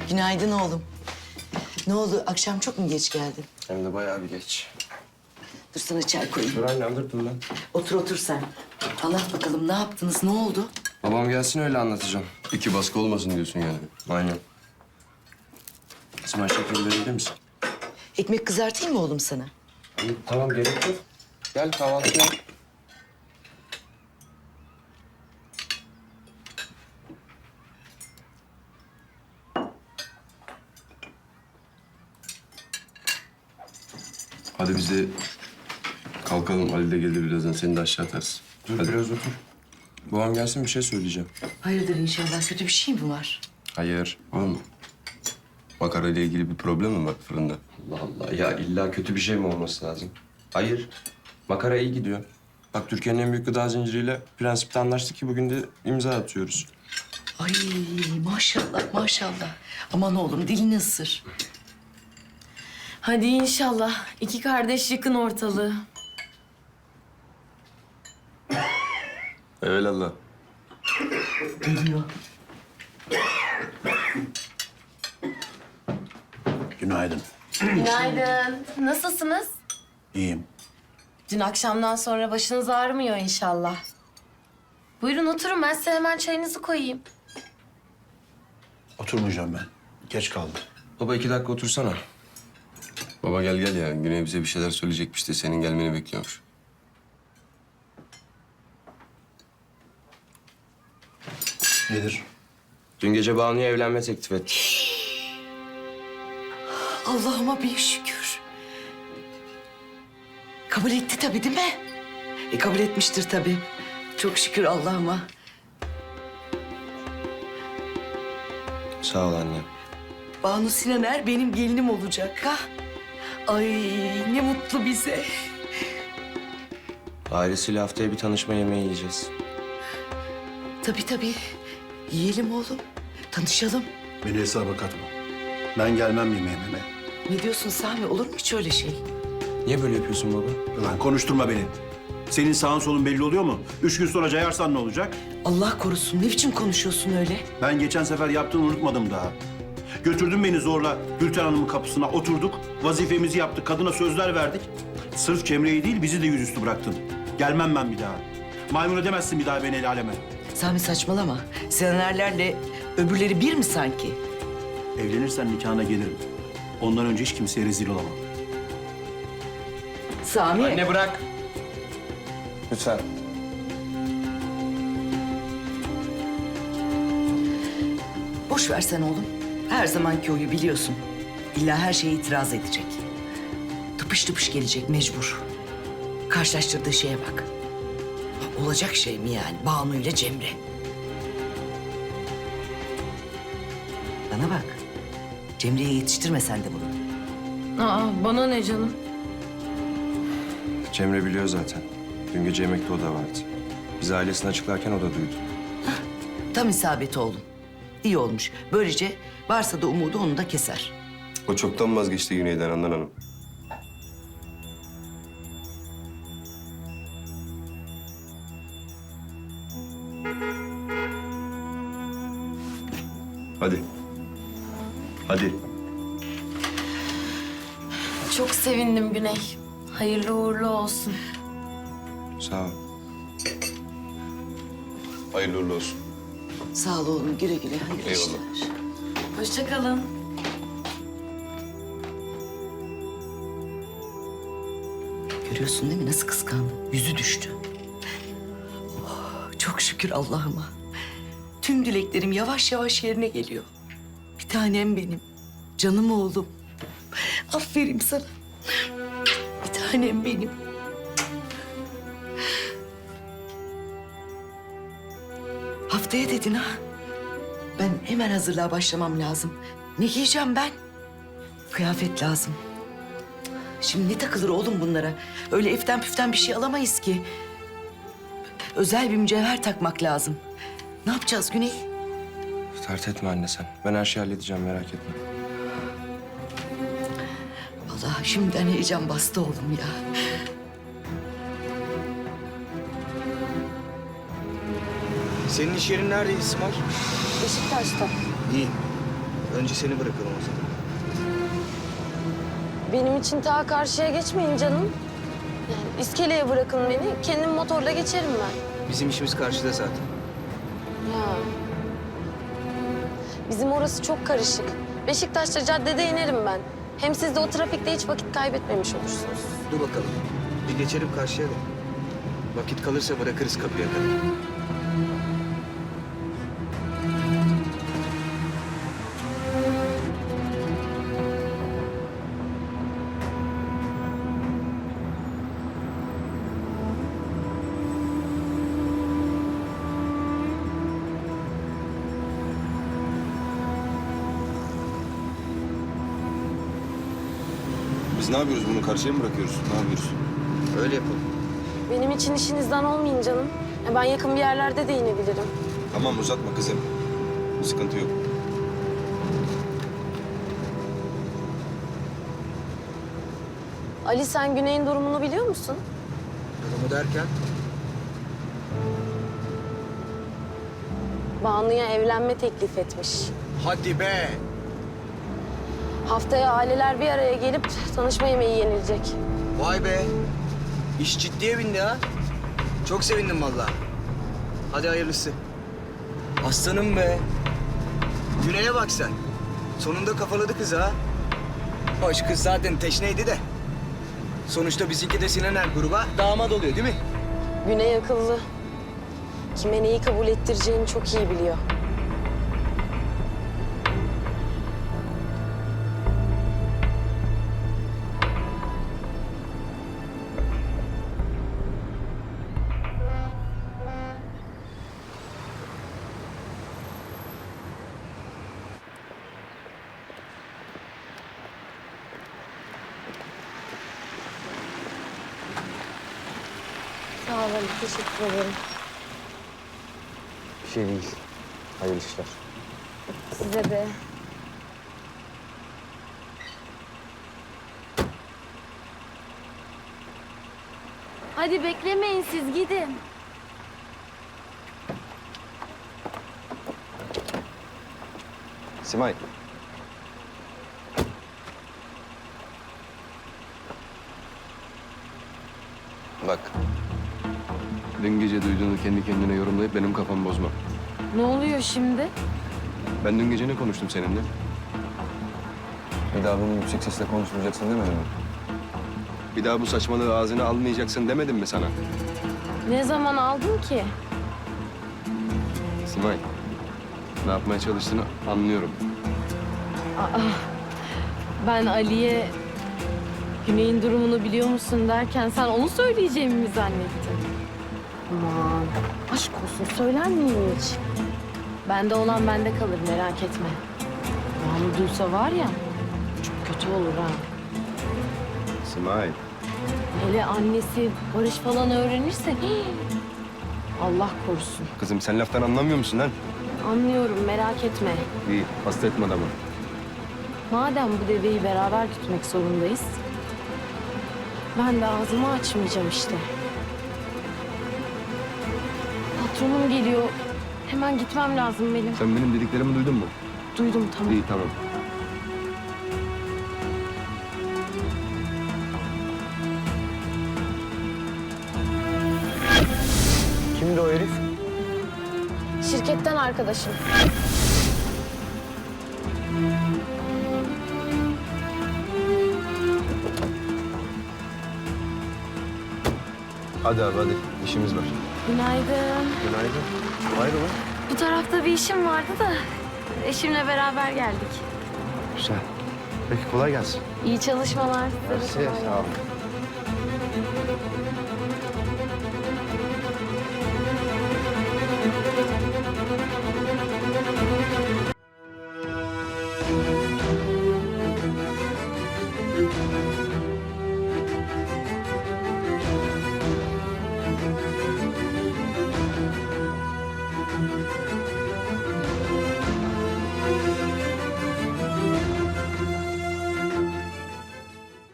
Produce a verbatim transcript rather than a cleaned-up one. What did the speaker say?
Günaydın oğlum. Ne oldu? Akşam çok mu geç geldin? Hem de bayağı bir geç. Dur sana çay koyayım. Dur anne alırdım ben. Otur otur sen. Anlat bakalım ne yaptınız? Ne oldu? Babam gelsin öyle anlatacağım. İki baskı olmasın diyorsun yani. Aynen. İsmail şeker verebilir misin? Ekmek kızartayım mı oğlum sana? İyi, tamam gerek yok. Gel kahvaltı yap. Hadi biz de kalkalım. Ali de gelir birazdan. Seni de aşağı atarız. Dur Hadi. biraz otur. Babam gelsin bir şey söyleyeceğim. Hayırdır inşallah. Kötü bir şey mi var? Hayır. Oğlum. Makara ile ilgili bir problem mi var fırında? Allah Allah ya illa kötü bir şey mi olması lazım? Hayır. Makara iyi gidiyor. Bak Türkiye'nin en büyük gıda zinciriyle prensipte anlaştık ki bugün de imza atıyoruz. Ay maşallah maşallah. Aman oğlum dilini ısır. Hadi inşallah. İki kardeş yıkın ortalığı. Evelallah. Geliyor. Günaydın. Günaydın. Nasılsınız? İyiyim. Dün akşamdan sonra başınız ağrımıyor inşallah. Buyurun oturun, ben size hemen çayınızı koyayım. Oturmayacağım ben. Geç kaldım. Baba iki dakika otursana. Baba gel gel ya. Güney bize bir şeyler söyleyecekmiş de senin gelmeni bekliyormuş. Nedir? Dün gece Banu'ya evlenme teklif etti. Allah'ıma bir şükür. Kabul etti tabii değil mi? E kabul etmiştir tabii. Çok şükür Allah'ıma. Sağ ol anne. Banu Sinaner benim gelinim olacak ha. Ay ne mutlu bize. Ailesiyle haftaya bir tanışma yemeği yiyeceğiz. Tabii tabii. Yiyelim oğlum. Tanışalım. Beni hesaba katma. Ben gelmem yemeğime. Ne diyorsun Sami? Olur mu hiç öyle şey? Niye böyle yapıyorsun baba? Ulan konuşturma beni. Senin sağın solun belli oluyor mu? Üç gün sonra cayarsan ne olacak? Allah korusun. Ne biçim konuşuyorsun öyle? Ben geçen sefer yaptığını unutmadım daha. Götürdün beni zorla Gülten Hanım'ın kapısına oturduk. Vazifemizi yaptık. Kadına sözler verdik. Sırf Cemre'yi değil bizi de yüzüstü bıraktın. Gelmem ben bir daha. Maymun edemezsin bir daha beni el aleme. Sami saçmalama. Sinanerlerle öbürleri bir mi sanki? Evlenirsen nikahına gelirim. Ondan önce hiç kimseye rezil olamam. Sami. Anne bırak. Lütfen. Boş versen oğlum. Her zamanki oyu biliyorsun. İlla her şeye itiraz edecek. Tıpış tıpış gelecek mecbur. Karşılaştırdığı şeye bak. Olacak şey mi yani Banu ile Cemre? Bana bak. Cemre'ye yetiştirme sen de bunu. Aa, bana ne canım? Cemre biliyor zaten. Dün gece yemekte o da vardı. Biz ailesini açıklarken o da duydu. Tam isabeti oğlum. İyi olmuş. Böylece varsa da umudu onu da keser. O çoktan vazgeçti Güney'den Handan Hanım. Hadi. Hadi. Çok sevindim Güney. Hayırlı uğurlu olsun. Sağ ol. Hayırlı uğurlu olsun. Sağ ol oğlum. Güle güle. Hayırlı Eyvallah. işler. Hoşça kalın. Görüyorsun değil mi nasıl kıskandı? Yüzü düştü. Oh, çok şükür Allah'ıma. Tüm dileklerim yavaş yavaş yerine geliyor. Bir tanem benim. Canım oğlum. Aferin sana. Bir tanem benim. Haftaya dedin ha? Ben hemen hazırlığa başlamam lazım. Ne giyeceğim ben? Kıyafet lazım. Şimdi ne takılır oğlum bunlara? Öyle eften püften bir şey alamayız ki. Özel bir mücevher takmak lazım. Ne yapacağız Güney? Dert etme anne sen. Ben her şeyi halledeceğim merak etme. Vallahi şimdiden heyecan bastı oğlum ya. Senin iş yerin nerede İsmail? Beşiktaş'ta. İyi. Önce seni bırakalım o zaman. Benim için ta karşıya geçmeyin canım. Yani iskeleye bırakın beni. Kendim motorla geçerim ben. Bizim işimiz karşıda zaten. Ya. Bizim orası çok karışık. Beşiktaş'ta caddede inerim ben. Hem siz de o trafikte hiç vakit kaybetmemiş olursunuz. Dur bakalım. Bir geçelim karşıya da. Vakit kalırsa bırakırız kapıya kadar. Biz ne yapıyoruz? Bunu karşıya mı bırakıyoruz? Ne yapıyoruz? Öyle yapalım. Benim için işinizden olmayın canım. Ya ben yakın bir yerlerde de inebilirim. Tamam uzatma kızım. Sıkıntı yok. Ali sen Güney'in durumunu biliyor musun? Durumu derken? Banu'ya evlenme teklif etmiş. Hadi be! Haftaya aileler bir araya gelip tanışma yemeği yenilecek. Vay be! İş ciddiye bindi ha. Çok sevindim vallahi. Hadi hayırlısı. Aslanım be! Güney'e bak sen. Sonunda kafaladı kız ha. Hoş kız zaten teşneydi de. Sonuçta bizimki de Sinan Er gruba damat oluyor değil mi? Güney akıllı. Kime neyi kabul ettireceğini çok iyi biliyor. Sağ olun, teşekkür ederim. Bir şey değil. Hayırlı işler. Size de. Hadi beklemeyin siz gidin. Simay. Bak. Dün gece duyduğunu kendi kendine yorumlayıp benim kafamı bozma. Ne oluyor şimdi? Ben dün gece ne konuştum seninle? Bir daha bunu yüksek sesle konuşmayacaksın demedim mi? Bir daha bu saçmalığı ağzına almayacaksın demedim mi sana? Ne zaman aldın ki? Simay, ne yapmaya çalıştığını anlıyorum. Ben Ali'ye Güney'in durumunu biliyor musun derken sen onu söyleyeceğimi mi zannettin? Aman aşk olsun söyler miyim hiç? Bende olan bende kalır merak etme. Banu duysa var ya çok kötü olur ha. Simay. Hele annesi Barış falan öğrenirse hii, Allah korusun. Kızım sen laftan anlamıyor musun lan? Anlıyorum merak etme. İyi, hasta etme adamı. Madem bu deveyi beraber gütmek zorundayız, ben de ağzımı açmayacağım işte. Patronum geliyor. Hemen gitmem lazım benim. Sen benim dediklerimi duydun mu? Duydum tamam. İyi, tamam. Kimdi o herif? Şirketten arkadaşım. Hadi abi hadi, işimiz var. Günaydın. Günaydın. Hayrola? Bu tarafta bir işim vardı da eşimle beraber geldik. Güzel. Peki kolay gelsin. İyi çalışmalar. Size de kolay gelsin. Sağ ol.